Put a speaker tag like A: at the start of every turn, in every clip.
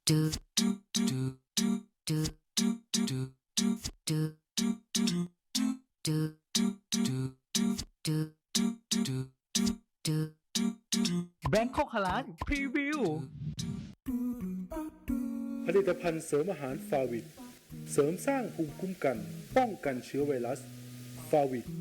A: แบงคอกฮาลาลพรีวิว
B: ผลิตภัณฑ์เสริมอาหารฟาวิดเสริมสร้างภูมิคุ้มกันป้องกันเชื้อไวรัสฟาวิด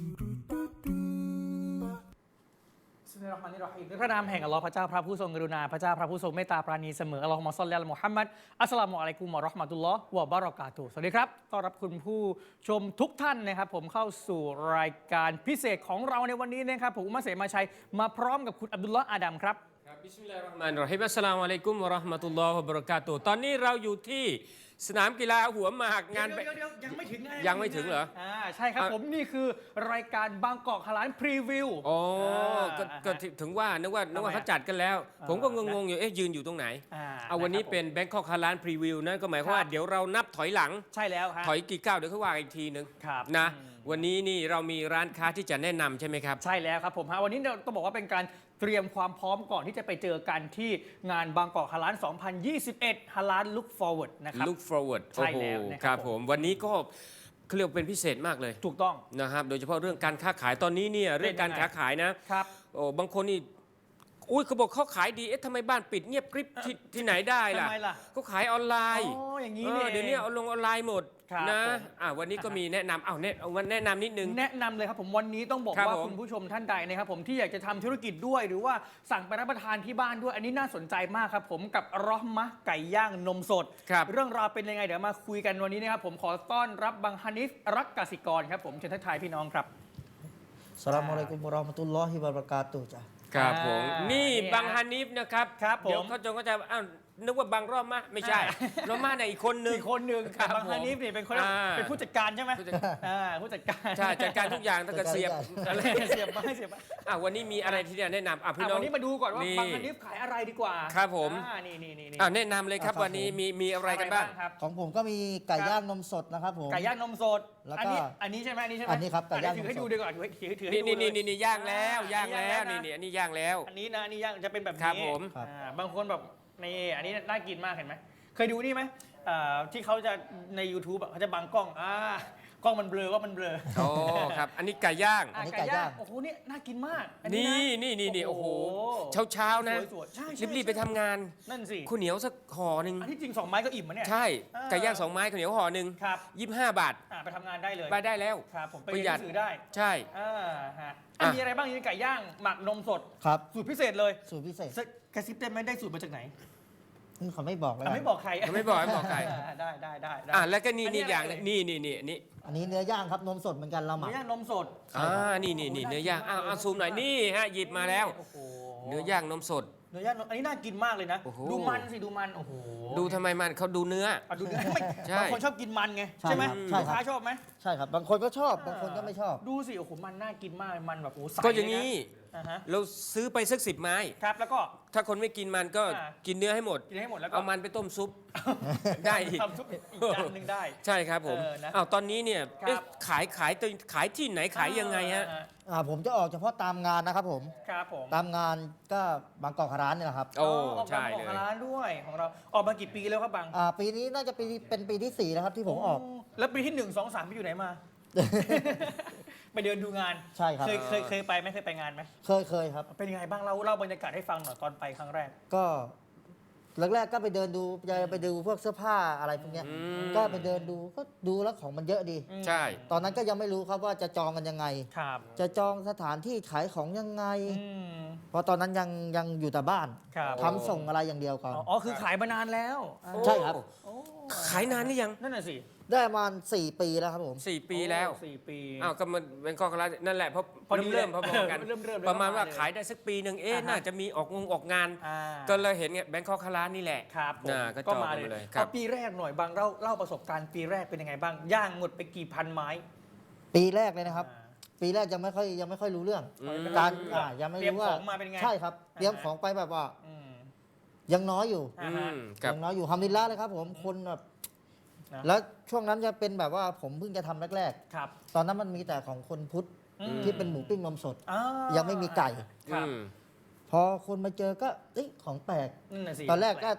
A: ในพระนามแห่งอัลลอฮ์พระเจ้าพระผู้ทรงกรุณาพระเจ้าพระผู้ทรงเมตตาปราณีเสมออัลลอฮุมะศ็อลลิอะลัยมุฮัมมัดอัสสลามุอะลัยกุมวะเราะห์มะตุลลอฮ์วะบะเราะกาตุฮ์สวัสดีครับต้อนรับคุณผู้ชมทุกท่านนะครับผมเข้าสู่รายการพิเศษของเราในวันนี้นะครับผมอุมัสเสมาชัยมาพร้อมกับคุณอับดุลลอฮ์อาดัมครับ
C: บิสมิลลาฮิรเราะห์มานิรเราะฮีมอัสสลามุอะลัยกุมวะเราะห์มะตุลลอฮ์วะบะเราะกาตุฮ์ตอนนี้เราอยู่ที่สนามกีฬาหัวหมากงาน
A: เดี๋ยวยังไม่ถึง
C: ยังไม่ถึงเหรอ
A: ใช่ครับผมนี่คือรายการบางกอกฮาลาลพรีวิว
C: อ๋อก็ถึงว่านึกว่าเขาจัดกันแล้วผมก็งงๆอยู่ยืนอยู่ตรงไหนเอาวันนี้เป็นแบงคอกฮาลาลพรีวิวนั่นก็หมายความว่าเดี๋ยวเรานับถอยหลัง
A: ใช่แล้ว
C: ถอยกี่ก้าวเดี๋ยวเขาว่าอีกทีนึงนะวันนี้นี่เรามีร้านค้าที่จะแนะนำใช่ไหมครับ
A: ใช่แล้วครับผมวันนี้เราต้องบอกว่าเป็นการเตรียมความพร้อมก่อนที่จะไปเจอกันที่งานบางกอกฮาลาล2021ฮาลาล Look Forward นะครับ
C: Look Forward
A: ใช่แล้ว
C: ครับผมวันนี้ก็เขาเรียกเป็นพิเศษมากเลย
A: ถูกต้อง
C: นะครับโดยเฉพาะเรื่องการค้าขายตอนนี้เนี่ยเรื่องการค้าขายนะครับโอ้บางคนนี่อุ้ยเขาบอกเขาขายดีทำไมบ้านปิดเงียบกริบที่ไหนได้ล่ะเขาขายออนไลน์
A: อย่างนี้
C: เดี๋ยวนี้เอาลงออนไลน์หมดนะวันนี้ก็มีแนะนำแนะนำนิดนึง
A: แนะนำเลยครับผมวันนี้ต้องบอกว่าคุณผู้ชมท่านใดนะครับผมที่อยากจะทำธุรกิจด้วยหรือว่าสั่งไปรับประทานที่บ้านด้วยอันนี้น่าสนใจมากครับผมกับเราะห์มะห์ไก่ย่างนมสดเรื่องราวเป็นยังไงเดี๋ยวมาคุยกันวันนี้นะครับผมขอต้อนรับบังฮานิฟรักกสิกรครับผมเชิญทักทายพี่น้องครับ
D: อัสสลามุอะลัยกุมวะเราะห์มะตุลลอฮิวะบะเราะกาตุฮ์จ้ะ
C: ครับผมนี่บังฮานิฟนะครับ
A: เ
C: ดี๋ยวเขาจะนึกว่าบางรอบมะไม่ใช่รอบมะเนี่ยอีกคนนึง
A: บางฮานิฟนี่เป็นคนเป็นผู้จัดการใช่ไหมผู้จัดการ
C: ใช่จัดการทุกอย่างตั้งแต่เสียบ
A: อะไรเสียบ
C: วันนี้มีอะไรที่จะแนะนำพี่น้อง
A: วันนี้มาดูก่อนว่าบางฮานิฟขายอะไรดีกว่า
C: ครับผม
A: นี่
C: แนะนำเลยครับวันนี้มีอะไรกันบ้าง
D: ของผมก็มีไก่ย่างนมสดนะครับผม
A: ไก่ย่างนมสด
D: แล้วก็
A: อันนี้ใช่ไหม
D: อันนี้ครับไก่ย่าง
A: ถือให้ดูดีกว่าถือ
C: นี่ย่างแล้วนี่อันนี้ย่างแล้ว
A: อันนี้นะนี่ย่างจะเป็นแบบนี้
C: ครับผม
A: บางคนแบบนี่อันนี้น่ากินมากเห็นไหมเคยดูนี่ไหมที่เขาจะใน YouTube เขาจะบังกล้องกล้องมันเบลอว่ามันเบลอ
C: โอ้ครับอันนี้ไก่ย่าง
D: ไก่ย่าง
A: โอ้โหนี่น่ากินมาก
C: นี่โอ้โหเช้านะรีบไปทำงาน
A: นั่นสิ
C: ข้าวเหนียวสักห่อหนึ่ง
A: อันที่จริง2ไม้ก็อิ่มมั้ยเนี่ย
C: ใช่ไก่ย่าง2ไม้ข้าวเหนียวห่อหนึ่ง25 บาท
A: ไปทำงานได้เลย
C: ไปได้แล้ว
A: ครับผมไปเรียนหนังสือได้
C: ใช่
A: มีอะไรบ้างนี่ไก่ย่างหมักนมสด
D: ครับ
A: สูตรพิเศษเลย
D: สูตรพิเศษ
A: กระซิบได้ไหมได้สูตรมาจากไหน
D: เขาไม่บอกเลย
A: ไม่บอกใคร
C: ไม่บอกใคร
A: ได้
C: แล้วก็นี่อย่างนี่
D: อันนี้เนื้อย่างครับนมสดเหมือนกันเราหมัก
A: เนื้อย่างนมสด
C: นี่เนื้อย่างซูมหน่อยนี่ฮะหยิบมาแล้วเนื้อย่างนมสด
A: เนื้อย่างอันนี้น่ากินมากเลยนะดูมันสิดูมันโอ้โห
C: ดูทำไมมันเขาดูเนื้อ
A: ดูเนื้อบางคนชอบกินมันไงใช่ไหมลูกค้าชอบไหม
D: ใช่ครับบางคนก็ชอบบางคนก็ไม่ชอบ
A: ดูสิโอ้โหมันน่ากินมากมันแบบโอ้ใส
C: ก็อย่างนี้เราซื้อไปสัก10 ไม้
A: ครับแล้วก็
C: ถ้าคนไม่กินมันก็กินเนื้อให้หมด
A: แล้ว
C: เอามันไปต้มซุปได้อีก
A: ทำซุปอีกจานหนึ่งได้
C: ใช่ครับผมตอนนี้เนี่ยขายที่ไหนขายยังไงฮะ
D: ผมจะออกเฉพาะตามงานนะครับผม
A: ครับผม
D: ตามงานก็บางกอกฮาลาลนี่แหละครับ
C: โอ้ใช่
A: เลยบางกอกฮาลาลด้วยของเราออกมากี่ปีแล้วครับบาง
D: ปีนี้น่าจะเป็นปีที่4แล้วครับที่ผมออก
A: แล้วปีที่1 2 3ไปอยู่ไหนมาไปเดินดูงาน
D: ใช่ครับ
A: เคยไปไหมเคยไปงานไหม
D: เคยครับ
A: เป็นยังไงบ้างเล่าบรรยากาศให้ฟังหน่อยตอนไปครั้งแรก
D: ก็แรกๆก็ไปเดินดูไปดูพวกเสื้อผ้าอะไรพวกนี้ก็ไปเดินดูก็ดูแล้วของมันเยอะดี
C: ใช่
D: ตอนนั้นก็ยังไม่รู้ครับว่าจะจองกันยังไงจะจองสถานที่ขายของยังไงเพราะตอนนั้นยังอยู่แต่บ้านทำส่งอะไรอย่างเดียวก่อน
A: คือขายมานานแล้ว
D: ใช่ครับ
C: ขายนานหรือยัง
A: นั่นน่ะสิ
D: ได้ประมาณ4 ปีแล้วครับผม
C: 4 ปีแล้ว
A: 4 ปี
C: ก็มันเป็นข้อคลานั่นแหละเพราะเริ่มพอๆกันประมาณว่าขายได้สักปีหนึ่งน่าจะมีออกงานก็เลยเห็นแบงค์คอกคลานี่แหละ
A: ครับ
C: ก็มาเลย
A: เอาปีแรกหน่อยบางเล่าประสบการณ์ปีแรกเป็นยังไงบ้างย่างหมดไปกี่พันไม้
D: ปีแรกเลยนะครับปีแรกยังไม่ค่อยรู้เรื่องการยังไม่รู้ว่าใช่ครับเตรียมของไปแบบว่ายังน้อยอยู่ฮัมดุลิลละห์เลยครับผมคนแบบแล้วช่วงนั้นจะเป็นแบบว่าผมเพิ่งจะทำแรกๆตอนนั้นมันมีแต่ของคนพุทธที่เป็นหมูปิ้งนมสดยังไม่มีไก่พอคนมาเจอก็ของแปลกตอนแรกก็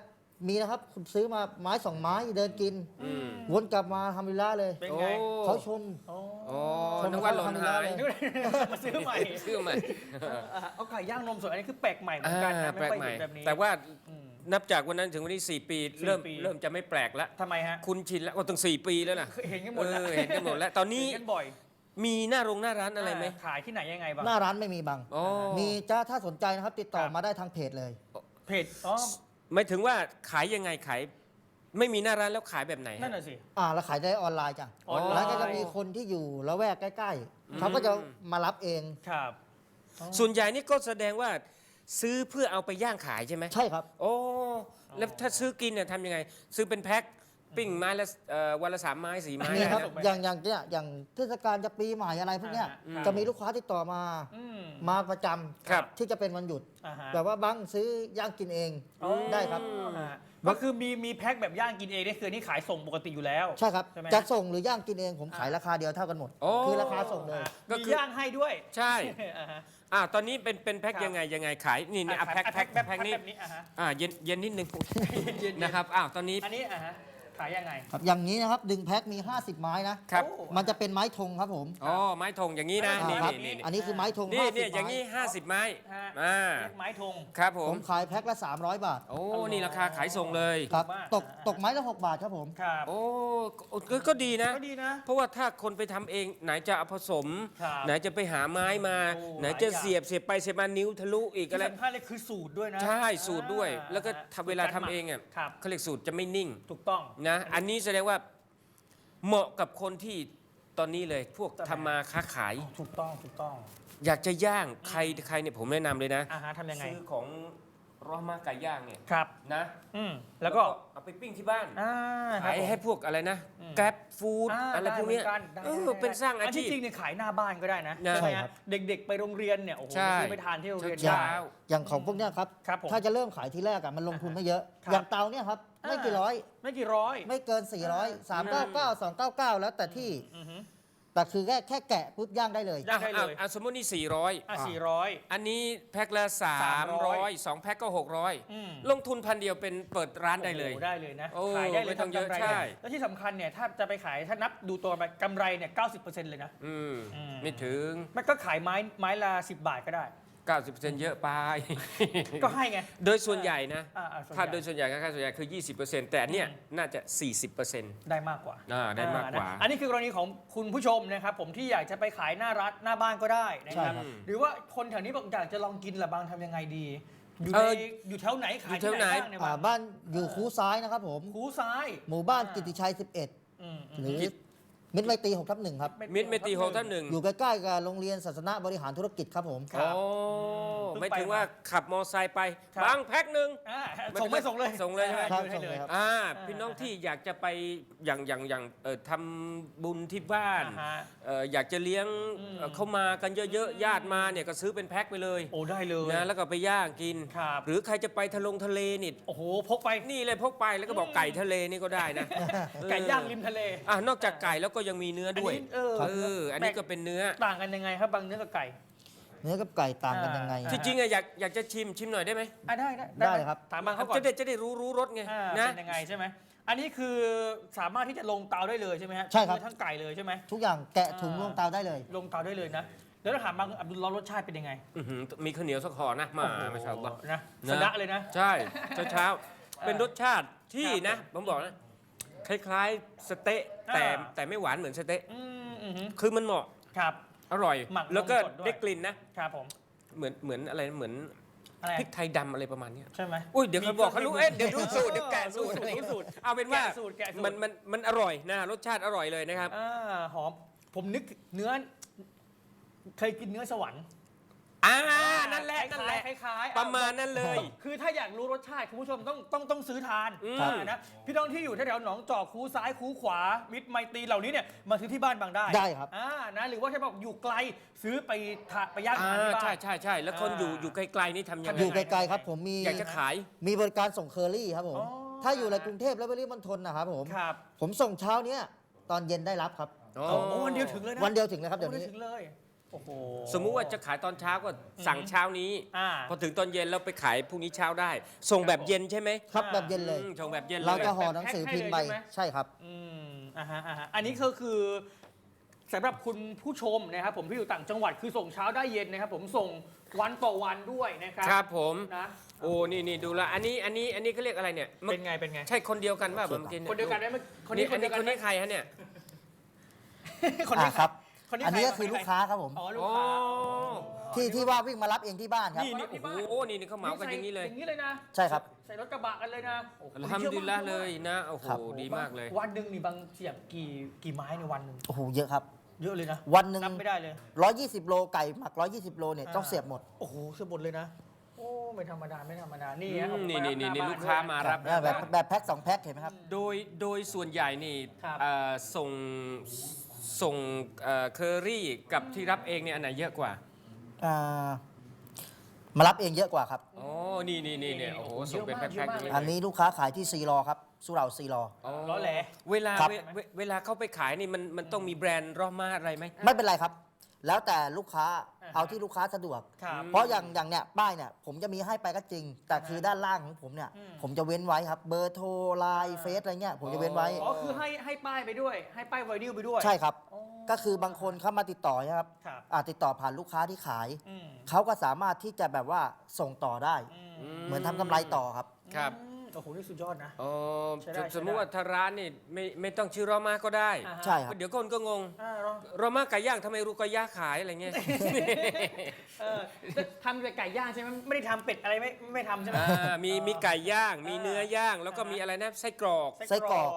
D: มีนะครับคุณซื้อมาไม้2 ไม้เดินกิน
C: อืม
D: วนกลับมาทำวิลล่าเลย
A: เป็น
C: โอ้
A: ไง
D: เขาชม
A: โอ้
C: อ๋อนึกว่าหล่นหาย
A: นึกว่ามาซื้อใหม่
C: ซื้อใหม่
A: เอาไก่ย่างนมสดอันนี้คือแปลกใหม่เหมือนกันนะ
C: แปล
A: ไม่
C: ก
A: ค่อย
C: ใหม่
A: เห็นแบบนี้
C: แต่ว่า
A: อืม
C: นับจากวันนั้นถึงวันนี้ 4 ปี เริ่ม
A: 4 ปี
C: เริ่มจะไม่แปลกแล้ว
A: ทำไมฮะ
C: คุณชินแล้วว่าตั้ง4 ปีแล้วนะ
A: เห็นกันหมดแล้ว
C: เห็นกันหมดแล้ว ตอนนี้
A: เห็นกันบ่อย
C: มีหน้าร้านอะไรไหม
A: ขายที่ไหนยังไงบ้าง
D: หน้าร้านไม่มีบัง
C: อ๋อ
D: มีจ้าถ้าสนใจนะครับ ติดต่อ
A: ครับ
D: มาได้ทางเพจเลย
A: เพจอ๋อ
C: หมายถึงว่าขายยังไงขายไม่มีหน้าร้านแล้วขายแบบไหนฮะ
A: นั่นน่ะสิ
D: แล้วขายได้ออนไลน์จ้ะ
A: ออนไลน์
D: แล้วก็จะมีคนที่อยู่ละแวกใกล้ๆเขาก็จะมารับเอง
A: ครับ
C: ส่วนใหญ่นี่ก็แสดงว่าซื้อเพื่อเอาไปย่างขายใช่ไหม
D: ใช่ครับ
C: โอ้แล้วถ้าซื้อกินเนี่ยทำยังไง ซื้อเป็นแพ็คปิ้งไม้ละวันละ3 ไม้ 4 ไม้
D: นี่ครับ
C: ได้นะ
D: อย่างเทศกาลจะปีใหม่อะไรพวกเนี้ย
A: ครับ
D: จะมีลูกค้าติดต่อมา
A: อืม
D: มาประจำ
C: ครับ
D: ที่จะเป็นวันหยุด
A: อ่าฮะ
D: แบบว่าบังซื้อย่างกินเอง
A: อ๋อ
D: ได้ครับ
A: อ่าก็คือมีแพ็คแบบย่างกินเองนี่คือนี่ขายส่งปกติอยู่แล้ว
D: ใช่ครับ
A: ใช่ไหม
D: จะส่งหรือย่างกินเองผมขายราคาเดียวเท่ากันหมด
C: โอ้
D: คือราคาส่งเลย
C: ก็
A: มี
C: คือ
A: ย่างให้ด้วย
C: ใช่
A: อ่าฮะ
C: ตอนนี้เป็นแพ็ค
A: ครับ
C: ยังไงขายนี่นี่แพ็คนี้
A: แบบนี้อ่าฮะ
C: เย็นนิดนึง
A: เย็นๆ
C: นะครับตอนนี้
A: อันนี้อ่าฮะขายยังไง
D: ครับอย่างนี้นะครับดึงแพ็คมี 50 ไม้นะ
C: ครับ
A: โอ้
D: มันจะเป็นไม้ธงครับผม
C: อ๋อไม้ธงอย่างนี้นะ
A: อ่า
C: นี่
D: ครับ
C: นี่
D: อันนี้คือไม้ธง
C: นี่
D: 50
C: นี่อย่าง
D: ไม้
C: นี้50 ไม้
A: ฮะ
C: อ่า
A: เรียกไม้ธง
C: ครับผ
D: ผม มขายแพ็คละ 300 บาท
C: โอ้นี่ราคาขายส่งเลย
D: ครับ
A: มาก
D: ตกไม้ละ 6 บาทครับผม
A: ครับ
C: โอ้ก็ดีนะ
A: ก็ดีนะ
C: เพราะว่าถ้าคนไปทำเองไหนจะเอาผสม
A: ครับ
C: ไหนจะไปหาไม้มา
A: โอ้
C: ไหนจะ
A: หลายอย่าง
C: เสียบไปเสียบมานิ้วทะลุอีก
A: ที่
C: อะไร
A: สำคัญเลยคือสูตรด้วยนะ
C: ใช่สูตรด้วย แล้วก็
A: อ่
C: ทำเวลาทำเองอ่ะ
A: ครับ
C: เขาเรียกสูตรจะไม่นิ่ง
A: ถูกต้อง
C: นะอันนี้แสดงว่าเหมาะกับคนที่ตอนนี้เลยพวกทำมาค้าขาย
A: ถูกต้องถูกต้อง
C: อยากจะย่างใครเนี่ยผมแนะนำเลยนะ
A: อ่าฮะทำยังไง
C: ซื้อของรอมาไก่ย่างเนี่ย
A: ครับ
C: นะ
A: แล้วก็
C: เอาไปปิ้งที่บ้าน
A: อ่า
C: ขาย
A: ครับผม
C: ให้พวกอะไรนะ
A: อืม
C: แกร็บฟู้ดอะไรพวกเนี้ย
A: ได้
C: เป็นสร้างอาชีพ
A: ที่จริงเนี่ยขายหน้าบ้านก็ได้นะ
C: นะ
A: ใช่ไหม
D: ใช่ครั
A: ฮะ
D: บ
A: เด็กๆไปโรงเรียนเนี่ยโอ้โห
C: ใช่
A: ไปซื้อไปทานที่โรงเรียน
C: เช้า
A: ได้
D: อย่างของพวกเนี้ยครับ
A: ครับผม
D: ถ้าจะเริ่มขายที่แรกอะมันลงทุนไม่เยอะ
A: ครับ
D: อย่างเตาเนี่ยครับ ไม่กี่ร้อย
A: ไม่กี่ร้อย
D: ไม่เกิน 400 399 299 แล้วแต่ที่
A: อือฮึ
D: แต่คือแค่แกะปุ๊บย่างได้เลย
A: ย่างได้เลย
C: สมมตินี่
A: อ่ะ400
C: 400 อันนี้แพ็คละ 300 2 แพ็คก็
A: อืม
C: 600 ลงทุนพันเดียวเป็นเปิดร้านได้เลย
A: โอ้โหได้เลยนะ
C: โอ้
A: ขายได้เลย
C: ไม่ต้องเยอะ
A: ทำกำไร
C: ใช่
A: ได้แล้วที่สำคัญเนี่ยถ้าจะไปขายถ้านับดูตัวไปกำไรเนี่ย 90%เลยนะ
C: อืม
A: อืม
C: ไม่ถึง
A: มันก็ขายไม้ละ10 บาทก็ได้
C: 90%เยอะไป
A: ก็ให้ไง
C: โดยส่วนใหญ่นะ
A: ส่วนใหญ่
C: ถ้าโดยส่วนใหญ่ค่าส่วนใหญ่คือ 20%แต่อันเนี่ยน่าจะ 40%
A: ได้มากกว่า
C: ได้มากกว่า
A: อันนี้คือกรณีของคุณผู้ชมนะครับผมที่อยากจะไปขายหน้าร้านหน้าบ้านก็ได้นะครับ
D: ใช่ครับ
A: หรือว่าคนแถวนี้บอกอยากจะลองกินละบางทำยังไงดี อยู่
C: เอ
A: ใน
C: อ
A: อยู่แถวไหนขาย
C: อยู่
A: ที่
C: แถวไห
A: ไห
C: น
A: นบ้างเนี่ยบ้าง
D: บ้านอยู่คูซ้ายนะครับผม
A: คูซ้าย
D: หมู่บ้านกิติชัย
A: อืม
D: 11 หรือมิตรไมตรี6/1 ครับ
C: มิตรเมตรีโฮท่านหนึ่ง
D: อยู่ใกล้ๆกับโรงเรียนศาสนาบริหารธุรกิจครับผม
A: ครับ
C: โอ้ไม่ถึงว่าขับมอไซค์ไป
A: ครับ
C: บางแพ็คหนึ่ง
A: อ่าส่งไม่ส่งเลย
C: ส่งเลยใช่ไหม
D: ครับ
A: ให้เลย
D: ส่งเลยครับ
C: พี่น้องที่อยากจะไปอย่างทำบุญที่บ้าน
A: อ่าฮะ
C: อยากจะเลี้ยง
A: อืม
C: เข้ามากันเยอะๆญาติมาเนี่ยก็ซื้อเป็นแพ็คไปเลย
A: โอ้ได้เลย
C: นะแล้วก็ไปย่างกิน
A: ครับ
C: หรือใครจะไปทะเลนี่
A: โอ้โหพกไป
C: นี่เลยพกไปแล้วก็บอกไก่ทะเลนี่ก็ได้นะ
A: ไก่ย่างริมทะเล
C: นอกจากไก่แล้วก็ยังมีเนื้อด้วย อันนี้ก็เป็นเนื้อ
A: ต่างกันยังไงครับบางเนื้อกับไก่
D: เนื้อกับไก่ต่างกันยังไง
C: ที่จริงอะอยากจะชิมหน่อยได้ไหม
A: ได้
D: ได้ครับ
A: ถามบางเขาก่อน
C: จะได้รู้รสไง
A: อ่า
C: นะ
A: เป็นยังไงใช่ไหมอันนี้คือสามารถที่จะลงเตาได้เลยใช่ไหมฮะ
D: ใช่ครับ
A: ทั้งไก่เลยใช่ไหม
D: ทุกอย่างแกะถุงลงเตาได้เลย
A: ลงเตาได้เลยนะ แล้วถ้าถามบางอับดุลลอฮ์รสชาติเป็นยังไง
C: อื้อหือมีข้าวเหนียวสักห่อนะมาไม่ชอบหรอก
A: นะ
C: นะ
A: สะดะเลยนะ
C: ใช่เช้าเป็นรสชาติที่
A: ครับ
C: นะผมบอกนะคล้ายๆสเต๊ะ
A: อ่า
C: แต่ไม่หวานเหมือนสเต๊ะ
A: อืม
C: คือมันเหมาะ
A: ครับ
C: อร่อย
A: หมักนม
C: แล้วก็
A: สดด้วย
C: ได้กลิ่นนะ
A: ครับผม
C: เหมือนอะไรเหมือน
A: อะไร
C: พริกไทยดำอะไรประมาณเนี้ย
A: ใช่ไหม
C: อุ้ยเดี๋ยวเขาบอกเขารู้เดี๋ยวรู้สูตรเดี๋ยวแกะสูตร
A: รู้สูตร
C: เอาเป็นว่า
A: แกะสูตรแกะสูตร
C: มันอร่อยนะรสชาติอร่อยเลยนะครับ
A: หอม ผมนึกเนื้อ เคยกินเนื้อสวรรค์
C: นั่นแหละ
A: คล้ายๆ
C: ประมาณนั้นเลย
A: คือถ้าอยากรู้รสชาติคุณผู้ชมต้องซื้อทาน
C: ครับ
A: นะพี่น้องที่อยู่แถวๆหนองจอกคูซ้ายคูขวา มิตรไมตรีเหล่านี้เนี่ยมาซื้อที่บ้านบางได้
D: ได้ครับ
A: นะหรือว่าถ้าบอกอยู่ไกลซื้อไปไปย่างทานที่บ้าน
C: ใช่แล้วคนอยู่ไกลๆนี่ทำยังไง
D: อยู่ไกลๆครับผมมี
C: อยากจะขาย
D: มีบริการส่งเคอรี่ครับผม
A: อ๋อ
D: ถ้าอยู่ในกรุงเทพและปริมณฑลนะครับผม
A: ครับ
D: ผมส่งเช้าเนี้ยตอนเย็นได้รับครับ
C: อ๋อ
A: โอ้วันเดียวถึงเลยนะ
D: วันเดียวถึงเลยครับเดี๋ยว
A: วัน
D: นี้
A: เดียวถึงเลยโอ้โห
C: สมมุติว่าจะขายตอนเช้าก็สั่งเช้านี้
A: อ่า
C: พอถึงตอนเย็นเราไปขายพรุ่งนี้เช้าได้ ส่งแบบเย็นใช่ไหม
D: ครับแบบเย็นเลย
C: ส่งแบบเย็นเลย
D: เราจะห่อหนังสือพิมพ์ไป
A: แพ็คให้เลยใช่ไหม
D: ใช่ครับ
A: อ่าฮะอันนี้ก็คือสำหรับคุณผู้ชมนะครับผมที่อยู่ต่างจังหวัดคือส่งเช้าได้เย็นนะครับผมส่งวันต่อวันด้วยนะครับ
C: ครับผม
A: นะ
C: โอ้นี่ดูละอันนี้เขาเรียกอะไรเนี่ย
A: เป็นไงเป็นไง
C: ใช่คนเดียวกันป่ะเมื่อกี้
A: คนเดียวกันไหมคน
C: นี่
A: นี้คนเดียวกัน
C: คนนี้ใครฮะเนี่ย
A: คนนี้
D: ครับ
A: คนนี้
D: อันนี้
A: ใร
D: ก็คือลูกค้าครับผม
A: อ๋อลูก
C: โอ้
A: ค้า
D: ที่ว่าวิ่งมารับเองที่บ้านครับ
C: นี่โอ้โหนี่เขาเหมากันอย่างนี้เลย
A: อย่างนี้เลยนะ
D: ใช่ครับ
A: ใส่รถกระบะกันเลยนะโอ้โห
C: อัลฮัมดุลิลละห์เลยนะโอ้โห
D: ครับ
C: ดีมากเลย
A: วันหนึ่งนี่บางเสียบกี่ไม้ในวันหนึ่ง
D: โอ้โหเยอะครับ
A: เยอะเลยนะ
D: วันหนึ่ง
A: นับไม่ได้เลย
D: 120 โลไก่หมัก 120 โลเนี่ยต้องเสียบหมด
A: โอ้โหเสียบหมดเลยนะโอ้ไม่ธรรมดาไม่ธรรมดานี่
C: อื
A: ฮะ
C: ม
A: ออก
C: นี่
A: มารับ
C: นี่
A: ห
C: นี่
A: บ้
C: ลูกค้า
A: ด้วย
C: มารับ
D: แบบแพ็ค2 แพ็คเห็นไหมครับ
C: โดยส่วนใหญ่นี่
A: ครับ
C: ส่งเคอรี่กับที่รับเองเนี่ยอันไหนเยอะกว่า
D: อ่ามารับเองเยอะกว่าครับ
C: อ๋อนี่เนี่ยโอ้โหส่งเป็นแพ็คๆอย่างนี้
D: อันนี้ลูกค้าขายที่ซีรอครับสุเหร่าซีรอ
A: ล้อแหล
C: เวลา
D: ครับ
C: เวลาเขาไปขายนี่มันต้องมีแบรนด์รอมาอะไรไหม
D: ไม่เป็นไรครับ แล้วแต่ลูกค้า
A: อ่าฮะ
D: เอาที่ลูกค้าสะดวก
A: ครับ
D: เพราะอย่างเนี้ยป้ายเนี่ยผมจะมีให้ไปก็จริง แต่คือด้านล่างของผมเนี่ย ผมจะเว้นไว้ครับ เบอร์โทรไลน์เฟซอะไรเงี้ยผมจะเว้นไว้
A: อ๋อคือให้ป้ายไปด้วย ให้ป้ายไวนิลไปด้วย
D: ใช่ครับ
A: อ๋อ
D: ก็คือบางคนเข้ามาติดต่อนะครับ
A: ครับ
D: ติดต่อผ่านลูกค้าที่ขาย
A: อืม
D: เขาก็สามารถที่จะแบบว่าส่งต่อได้ เหมือนทำกำไรต่อครับ
C: ครับ
A: โอ้โหนี่สุดยอดนะ
C: อ๋อ
A: ใช้ได้
C: สมมุติว่าถ้าร้านนี่ไม่ต้องชื่อรอมาก็ได้
A: อ่าฮะ
D: ใช่ครับ
C: เดี๋ยวคนก็งง
A: ลอง
C: รอมาไก่ย่างทำไมรูกอยาขายอะไรเงี้ย
A: ทำแต่ไก่ย่างใช่ไหมไม่ได้ทำเป็ดอะไรไม่ทำใช่ไหม
C: มีไก่ย่าง มีเนื้อย่างแล้วก็มีอะไรนะไส้กรอก
D: ไส้กรอก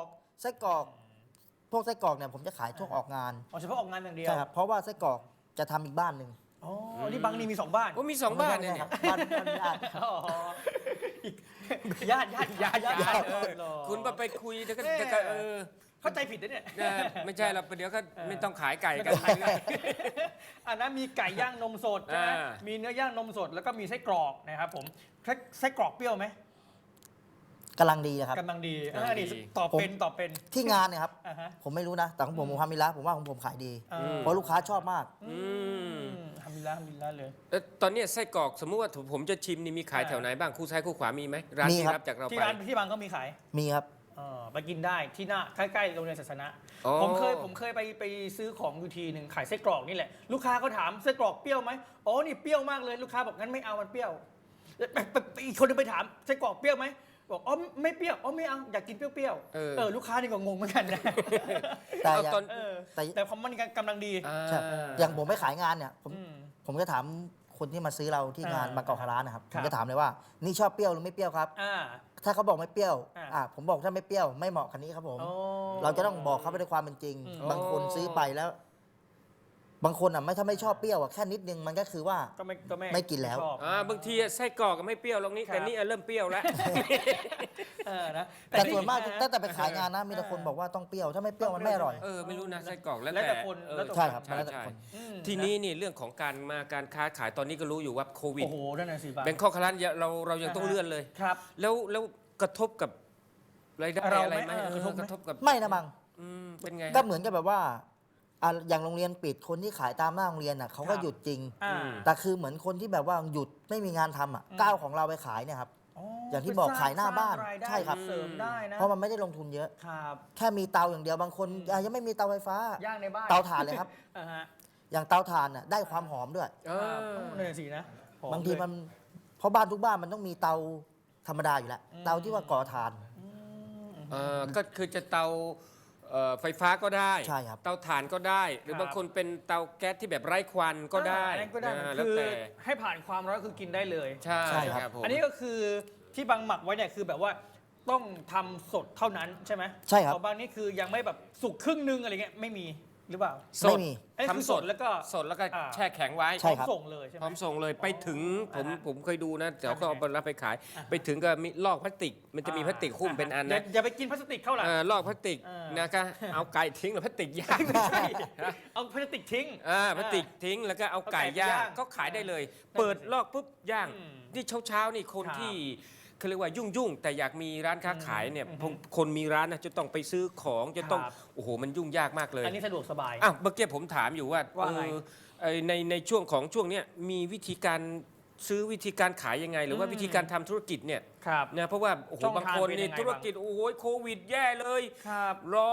D: พวกไส้กรอกเนี่ยผมจะขายช่วงออกงาน
A: อ๋อเฉพาะออกงานอย่างเดียว
D: ใช่ครับ เพราะว่าไส้กรอกจะทำอีกบ้านหนึ่ง
A: อ๋อนี่บางนี่มี2 บ้าน
C: โอ้มี2 บ้านเนี่ย
D: ครับบ้านญาติ
A: อ๋อญาติ
C: คุณไปคุยแล้วก็
A: เอ๊ะ
C: ก็
A: เข้าใจผิดนะเนี่ย
C: ไม่ใช่เราเดี๋ยวก็ไม่ต้องขายไก่กัน
A: อันนั้นมีไก่ย่างนมสดใช่ไหม
C: อ่า
A: มีเนื้อย่างนมสดแล้วก็มีไส้กรอกนะครับผมไส้กรอกเปรี้ยวไหม
D: กำลังดีนะครับ
A: กำลังดีนี่ตอบเป็น
D: ที่งานเนี่ยครับ
A: อ่าฮะ
D: ผมไม่รู้นะ แต่ของผมทำมิลละผมว่าของผมขายดี
A: อ่า
D: เพราะลูกค้าชอบมาก
A: ทำมิลละเลย
C: แล้วตอนนี้ไส้กรอกสมมุติว่าผมจะชิมนี่มีขายแถวไหนบ้างคู่ซ้ายคู่ขวามีไหมร้าน
D: มี
C: ที่
D: ครับ
C: รับจากเรา
A: ที่
C: ไป
A: ร้านที่บางก็มีขาย
D: มีครับ
A: ไปกินได้ที่หน้าใกล้ๆโรงเรียนศาสนะ
C: อ๋อ
A: ผมเคยไปซื้อของอยู่ทีหนึ่งขายไส้กรอกนี่แหละลูกค้าเขาถามไส้กรอกเปรี้ยวไหมอ๋อนี่เปรี้ยวมากเลยลูกค้าบอกงั้นไม่เอามันเปรี้ยวอีกคนนึงไปถามไส้กรอกเปรี้ยวไหมบอกอ๋อไม่เปรี้ยวอ๋อไม่เอาอยากกินเปรี้ยวๆลูกค้านี่ก็งงเหมือนกันนะ
D: แต่
C: เอา
D: อย่าง
C: ตอน
A: แต่ความมันกำลังดี
D: ใช่อย่างผมไปขายงานเนี่ย
A: อืม
D: ผมจะถามคนที่มาซื้อเราที่งาน
A: อ่า
D: บางกอกคาร้านนะครับ
A: ค
D: ผ
A: รับ
D: มจะถามเลยว่า นี่ชอบเปรี้ยวหรือไม่เปรี้ยวครับ
A: อ่า
D: ถ้าเขาบอกไม่เปรี้ยว
A: อ่า
D: ผมบอกถ้าไม่เปรี้ยวไม่เหมาะคันนี้ครับผม
A: โอ้
D: เราจะต้องบอกเขาไปด้วยความเป็นจริง
A: อืม
D: บางคนซื้อไปแล้ว บางคนถ้าไม่ชอบเปรี้ยวแค่นิดนึงมันก็คือว่า
A: ก็ไม่
D: ไม่กินแล้ว
A: ชอบบ
C: างทีไส้กรอกก็ไม่เปรี้ยวลงนี้
A: ครับ
C: แต่นี่เริ่มเปรี้ยวแล้ว
A: นะ
D: แต่ส่วนมากตั้งแต่ไปขายงานนะมีแต่คนบอกว่าต้องเปรี้ยวถ้าไม่เปรี้ยวมันไม่อร่อย
C: ไม่รู้นะไส้กรอกแล้ว
A: แล้วแต่คน
C: เออ
A: แล้วแต่
D: ใช่ครับ
C: ใช่
D: แล้วแต่
C: ใช่
D: คน
C: ทีนี้นี่เรื่องของการค้าขายตอนนี้ก็รู้อยู่ว่าโควิด
A: โอ้โหนั่นน่ะสิบาท
C: แบงคอกคารันเรายังต้องเลื่อนเลย
A: ครับ
C: แล้วกระทบกับรายได้
A: เรา
C: อะไร
A: ไหม
C: ไหม
A: กระทบไหม
C: กระทบกับ
D: ไม่นะบัง
C: เป็นไง
D: ก็เหมือนกับแบบว่าอย่างโรงเรียนปิดคนที่ขายตามหน้าโรงเรียนเขาก็
A: ครับ
D: หยุดจริง
A: อ่า
D: แต่คือเหมือนคนที่แบบว่าหยุดไม่มีงานทำก้าวของเราไปขายเนี่ยครับ อย่างที่บอกขายหน้าบ้าน
A: สร้งยได้
D: ใช่ครับ
A: เสริมได้นะ
D: เพราะมันไม่ได้ลงทุนเยอะ
A: ครับ
D: แค่มีเตาอย่างเดียวบางคนยังไม่มีเตาไฟฟ้า
A: ย่างในบ้าน
D: เตาถ่านเลยครับ
A: อ่าฮะ
D: อย่างเตาถ่านน่ะได้ความหอมด้วย
A: ครับนั่นนะสินะหอม
D: บางที
A: เลย
D: มันเพราะบ้านทุกบ้านมันต้องมีเตาธรรมดาอยู่แล้ว เตาที่ว่าก่อถ่าน
C: ก็คือจะเตาไฟฟ้าก็ได้
D: ใช่ครับ
C: เตาถ่านก็ได้ หรือบางคนเป็นเตาแก๊สที่แบบไร้ควันก็ได้
A: อันนั้นก็ได้
C: แล้ว
A: คือ
C: แต่
A: ให้ผ่านความร้อนคือกินได้เลย
C: ใช่
D: ใช่ครับ
C: ครับผม
A: อันนี้ก็คือที่บางหมักไว้เนี่ยคือแบบว่าต้องทำสดเท่านั้นใช่ไหม
D: ใช่ครับ
A: ของบางนี่คือยังไม่แบบสุกครึ่งนึงอะไรเงี้ยไม่มีหรือเปล่า
C: ส
D: ไม่
C: ด
D: มี
A: อันนี้คือ
C: ทำสด
A: แล้วก็
C: สดแล้วก็
A: อ่า
C: แช่แข็งไว้
D: ใช่ครับ
A: ส่งเลยใช่ไห
C: พร้อ
A: ม
C: มส่งเลยไปถึงผมเคยดูนะเดี๋ยวเขาเอา
A: ทำยังไง
C: ไปรับไปขาย ไปถึงก็มีลอกพลาสติก มันจะมีพลาสติกหุ้มเป็นอันนะ
A: อย่าไปกินพลาสติกเข้าหลัง
C: ลอกพลาสติก
A: เออ
C: นะก็เอาไก่ทิ้งหรือพลาสติกย่าง
A: ไม่ใช่เอาพลาสติกทิ้ง
C: พลาสติกทิ้งแล้วก็เอาไก่ย่างก็ขายได้เลย เปิดลอกปุ๊บย่าง
A: อืม
C: นี่เช้านี่คน
A: ครับ
C: ที่เขาเรียกว่ายุ่งแต่อยากมีร้านค้าขายเนี่ยคนมีร้านนะจะต้องไปซื้อของจะต้อง
A: ครับ
C: โอ้โหมันยุ่งยากมากเลย
A: อันนี้สะดวกสบาย
C: อ้าวเมื่อกี้ผมถามอยู่ว่า
A: ว่าไง
C: ในช่วงเนี้ยมีวิธีการซื้อวิธีการขายยังไง หรือว่าวิธีการทำธุรกิจเนี่ย
A: ครับ
C: นะเพราะว่าโอ้โห
A: ช่องทาง
C: บางคน
A: เป็นยั
C: นี่
A: งไง
C: ธุรกิจโอ้โหโควิดแย่เลย
A: ครับ
C: รอ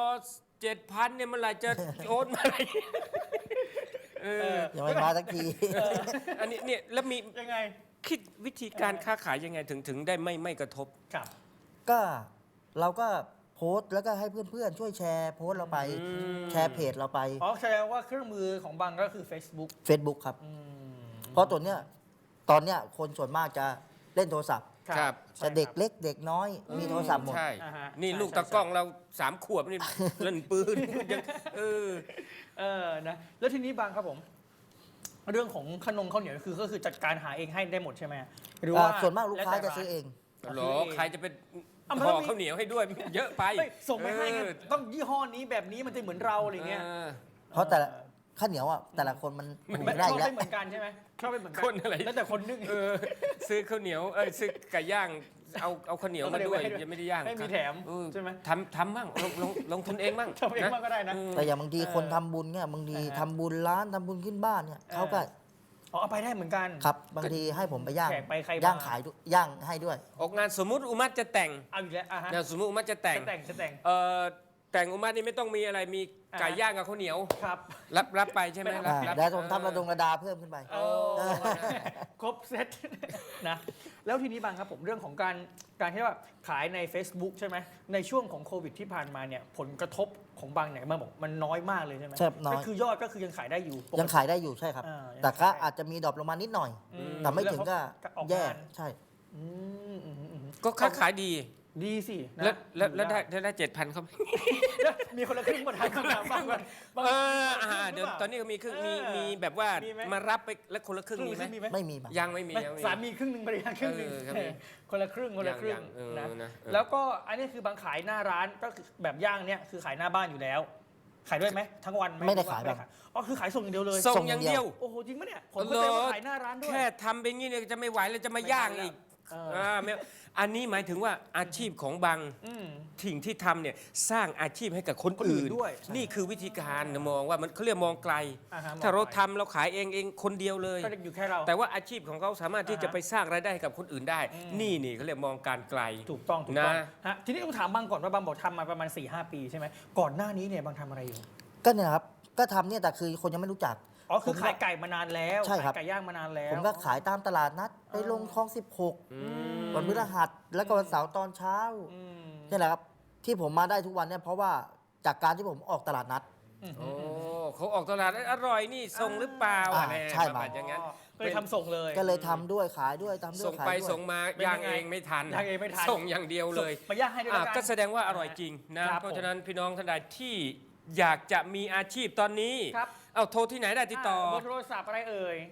C: 7,000เนี่ยเมื่อไหร่จะ โอนมาอะไรเออ
D: ยังไม่มาสักที
C: อันนี้เนี่ยแล้วมี
A: ยังไง
C: คิดวิธีการค้าขายยังไงถึงได้ไม่กระทบ
A: ครับ
D: ก็เราก็โพสต์แล้วก็ให้เพื่อนๆ ช่วยแชร์โพสต์เราไป แชร์เพจเราไป
A: อ๋อแสดงว่าเครื่องมือของบังก็คือ Facebook
D: Facebook ครับ เพราะตัวเนี้ยตอนเนี้ยคนส่วนมากจะเล่นโทรศัพท์
C: ครับ
D: แต่เด็กเล็กเด็กน้อยมีโทรศัพท์หมด
C: ใช่
A: อ่าฮะ
C: นี่
A: ใช่
C: ลูก
A: ใช่
C: ตะกล้องเรา3 ขวบนี่ เล่นปืนยังเออ
A: นะแล้วทีนี้บางครับผม เรื่องของขนมข้าวเหนียวก็คือจัดการหาเองให้ได้หมดใช่ไหมหรือว่า
D: ส่วนมากลูกค้า
A: แวแต่
D: จะซื้อเอง
C: หรอใครจะเป็น
A: อ่ะมัน
C: ห่
A: ต้
C: อ
A: องมี
C: ข้าวเหนียวให้ด้วยเยอะไป
A: เฮ้ยส่งไปให้ไง
C: เออ
A: ต้องยี่ห้อนี้แบบนี้มันจะเหมือนเราอะไรเงี้ย
C: เออ
D: เพราะแต่ละข้าวเหนียวอ่ะแต่ละคนมัน
A: มัน
D: ไม่ได้
A: ช
D: อ
A: อบ
D: ยู่แล้ว
A: ไม่เหมือนกันใช่ไหมชอบไม่เหมือนกั
C: คนอะไร
A: แล้วแต่คนนึ่ง
C: เออซื้อข้าวเหนียวซื้อไก่ย่างเอาข้าวเหนียวมาด้วยยังไม่ได้ย่าง
A: ไม่มีแถม
C: เออ
A: ใช่ไหม
C: ทำมั่งลงทุนเองมั่ง
A: ทำเองบ้างก็ได้นะ
D: แต่อย่างบางทีคนทำบุญเนี่ยบางทีทำบุญร้านทำบุญขึ้นบ้านเนี่ยเขาก็
A: อ๋อเอาไปได้เหมือนกัน
D: ครับบางทีให้ผมไปย่าง
A: แขกไปใครมา
D: ย่างขายด้วยย่างให้ด้วย
C: ออกงานสมมุติอุมัตจะแต่ง
A: เอาอีกแล้วอ่ะฮะ
C: นะสมมุติอุมัตจะแต่ง
A: จะแต่ง
C: แต่งอุมัตนี่ไม่ต้องมีอะไรมีไก่ย่างกับข้าวเหนียว
A: ครับ
C: รับไปใช่ไหม
A: ไม่
C: รับ
D: แล้วผมทำระดงระดาเพิ่มขึ้นไป
A: โอ้ครบเซต นะแล้วทีนี้บางครับผมเรื่องของการที่ว่าขายใน Facebook ใช่ไหมในช่วงของโควิดที่ผ่านมาเนี่ยผลกระทบของบางเนี่ยมันบอกมันน้อยมากเลยใช่ไหม
D: ใช่น้อย
A: ก็คือยอดก็คือยังขายได้อยู่ปกติ
D: ยังขายได้อยู่ใช่ครับ
A: ยัง
D: แต่ก็
A: ขายได้
D: อาจจะมีดรอปลงมานิดหน่อย
A: อืม
D: แต่ไม่ถึงก็
A: แล้วเขาออก
D: แย่
A: งาน
D: ใช่
A: อืมอืมอืม
C: ก็ค้าขายดี
A: ดีสินะ
C: แล้วได้7,000เขาไหม
A: มีคนละครึ่งมาทานคำถามบ้างก่อนบาง
C: เดี๋ยวตอนนี้ก็มีครึ่งมีแบบว่ามารับไปแล้วคนละครึ่งมีไหม
A: มีไหม
D: ไม่มีบ้าง
C: ยังไม่มี
A: ไม่
C: ยังไม่มี
A: สามีครึ่งหนึ่งภรรยาครึ่งหนึ่ง
C: ครับมี
A: คนละครึ่งคนละครึ่ง
C: ยัง
A: นะ
C: นะ
A: แล้วก็อันนี้คือบางขายหน้าร้านก็คือแบบย่างเนี่ยคือขายหน้าบ้านอยู่แล้ว ขายด้วยไหมทั้งวันห
D: ไม่ได้ขาย
A: หรือว่
D: แบบ
A: อ๋อคือขายส่งอย่างเดียวเลย
C: ส่งอย่างเดียว
A: โอ้โหจริงปะเนี่ยผมก็เคยว่าขายหน้าร้านด้วย
C: แค่ทำไปงี้เนี่ยจะไม่ไหวแล้วจะมาย่างอีก
A: เออ
C: ไม่อันนี้หมายถึงว่าอาชีพของบาง
A: อืม
C: สิ่งที่ทำเนี่ยสร้างอาชีพให้กับคน
A: คนอื่
C: อื่
A: น
C: น
A: ด้วย
C: นี่คือวิธีการมองว่ามันเขาเรียกมองไกล
A: อ่าฮะ
C: ถ้าเรา
A: มองไกล
C: ทำเราขายเองคนเดียวเลย
A: ก็อยู่แค่เรา
C: แต่ว่าอาชีพของเขาสามารถที่
A: อ่าฮะ
C: จะไปสร้างรายได้ให้กับคนอื่นได้ นี่เขาเรียกมองการไกล
A: ถูกต้องถูก
C: นะ
A: ต้องฮะทีนี้ต้องถามบางก่อนว่าบางบอกทำมาประมาณ 4-5 ปีใช่ไหมก่อนหน้านี้เนี่ยบางทำอะไรอยู่
D: ก็เนี่ยครับก็ทำเนี่ยแต่คือคนยังไม่รู้จัก
A: อ๋อคือ
D: ผมก็
A: ขายไก่มานานแล้ว
D: ใช่ครับ
A: ขายไก่ย่างมานานแล้ว
D: ผมก็ขายตามตลาดนัดไปลงคลอง 16 วันพฤหัสแล้วก็วันเสาร์ตอนเช้า
A: อืม
D: นี่แหละครับที่ผมมาได้ทุกวันเนี่ยเพราะว่าจากการที่ผมออกตลาดนัด
C: โอ้เขาออกตลาดอร่อยนี่ส่งหรือเปล่า
D: อ่า
C: อะไร
D: ใช่
C: ประมาณอย่างนั้น
A: ก็เลยทำส่งเลย
D: ก็เลยทำด้วยขายด้วยทำด้วย
C: ส่ง
D: ขาย
C: ไป
D: ด้วย
C: ส่งมา
A: เป็น
C: ย่าง
A: ยังไง
C: เองไม่ทัน
A: ย่างเองไม่ทัน
C: ส่งอย่างเดียวเลย
A: มาย่างให้ด้วยแล้วกัน
C: ก็แสดงว่าอร่อยจริงนะ
A: ครับ
C: เพราะฉะนั้นพี่น้องท่านใดที่อยากจะมีอาชีพตอนนี้
A: ครับ
C: เอาโทรที่ไหนได้ติดต่อ
A: เบอร์โทรศัพท์อะไรเอ่ย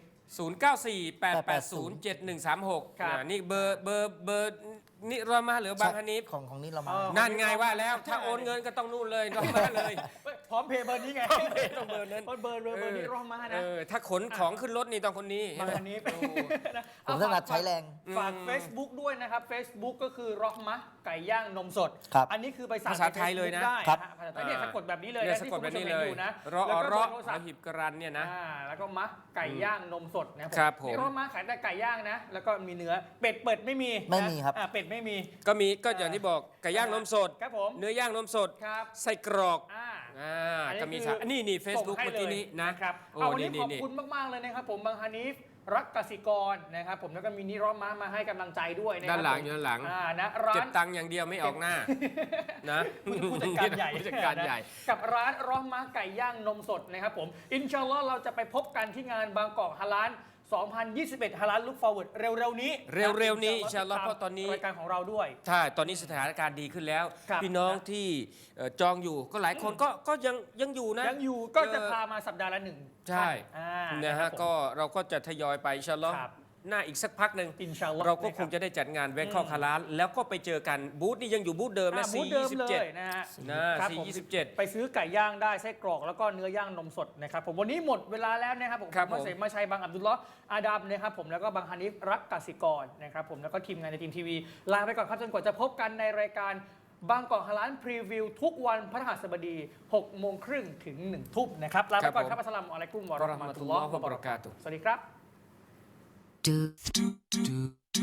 C: 0948807136
A: ครับ
C: นี่เบอร์นี่รอมาหรือบางฮันนีฟ
D: ของนี้เรามา
A: อ๋อ
C: นั่นไงว่าแล้วถ้าโอนเงินก็ต้องนู่นเลยรอมาเลย
A: พร้อมเพย์เบอร์นี้ไง
C: พร้อมเพย์ต้องเบอร์นั้น
A: เบอร์นี้รอมานะ
C: ถ้าขนของขึ้นรถนี่ต้องคนนี้
A: บางอันนี้นะ
D: ผมถนัดใช้แรง
A: ฝาก Facebook ด้วยนะครับ Facebook ก็คือรอมะไก่ย่างนมสด
D: ครับ
A: อันนี้คือไปสั่ง
C: ภาษาไทยเลยนะ
A: ได้
D: ครับ
A: ภาษาไทยเนี่ยสะกดแบบนี้เลย
C: เนี่ย
A: นะ
C: สะ
A: ที่
C: กด
A: คุณ
C: แบบ
A: ผู้ชม
C: นี้
A: เห็น
C: เลย
A: อยู่นะ
C: รอ
A: แล้วก็เบ
C: ร
A: อ
C: อ
A: ร์โทรศัพท์
C: หิบกรันเนี่ยนะ
A: แล้วก็มะไก่ย่างนมสดนะครับ
C: ครับผม
A: นี่รอมะขายแต่ไก่ย่างนะ แล้วก็มีเนื้อเป็ดเปิดไม่มี
D: ไม่มีครับ
A: เป็ดไม่มี
C: ก็อย่างที่บอกไก่ย่างนมสด
A: ครับผม
C: เนื้อย่างนมสด
A: ครับ
C: ไส้กรอก
A: อันนี้
C: ก็มี
A: คือ
C: นี่เฟซบุ๊ก
A: ส่งให้
C: เมื่อกี้นี้นะ
A: ครับ
C: โอ้
A: เอาวันนี้
C: นี่
A: ขอบ
C: นี่
A: คุณมาก ๆ เลยนะครับผมบางฮานิฟรักกสิกรนะครับผมแล้วก็มีนิรอมมามาให้กำลังใจด้วยนะครั
C: ด้านหลัง
A: ผม
C: อยู่ด้านหลัง
A: นะร้า
C: เก็บ
A: น
C: ตังค์อย่างเดียวไม่ออกหน้านะ
A: ผู้จัดการใหญ่
C: ผู้จัดการใหญ่
A: นะกับร้านรอมมาไก่ย่างนมสดนะครับผมอินชาอัลลอฮ์เราจะไปพบกันที่งานบางกอกฮาลาล2021 ฮาลาลลุกฟอร์เวิร์ดเร็ว ๆ นี้
C: เร็วๆนี้อินชาอัลลอฮ์เพราะตอนนี้
A: รายการของเราด้วย
C: ใช่ตอนนี้สถานการณ์ดีขึ้นแล้ว
A: ครับ
C: พี่น้องที่จองอยู่ก็หลายคนก็ยังอยู่นะ
A: ยังอยู่ก็จะพามาสัปดาห์ละหนึ่ง
C: ใช่
A: ท่าน
C: นะ
A: ครั
C: ฮะ
A: บผม
C: ก็เราก็จะทยอยไปอินชาอัลลอฮ์
A: ครับ
C: หน้าอีกสักพักหนึ่ง
A: อินชาอัลลอฮ์
C: เราก็คงจะได้จัดงานแบงคอกฮาลาลแล้วก็ไปเจอกันบูธนี่ยังอยู่บูธเดิมนะ
A: บูธเดิมเลย
C: 427
A: นะฮะ
C: นะครับ
A: ผม
C: 427
A: ไปซื้อไก่ย่างได้ไส้กรอกแล้วก็เนื้อย่างนมสดนะครับผมวันนี้หมดเวลาแล้วนะครับผม
C: ครับ
A: มาเสมาชัยบางอับดุลลอฮ์อาดัมนะครับผมแล้วก็บางฮานิฟรักกสิกรนะครับผมแล้วก็ทีมงานในทีมทีวีลาไปก่อนครับจนกว่าจะพบกันในรายการบางกอกฮาลาลพรีวิวทุกวันพฤหัสบดี6:30 ถึง 1 ทุ่มนะครับลาไปก่อนครับอัสสลามุอะลัยกุมวะเราะห์มะตุลลอฮ์วะบะเราะกาตุฮ์สวัสดีครับ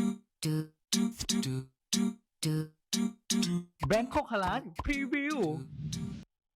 A: Bangkok Halal Preview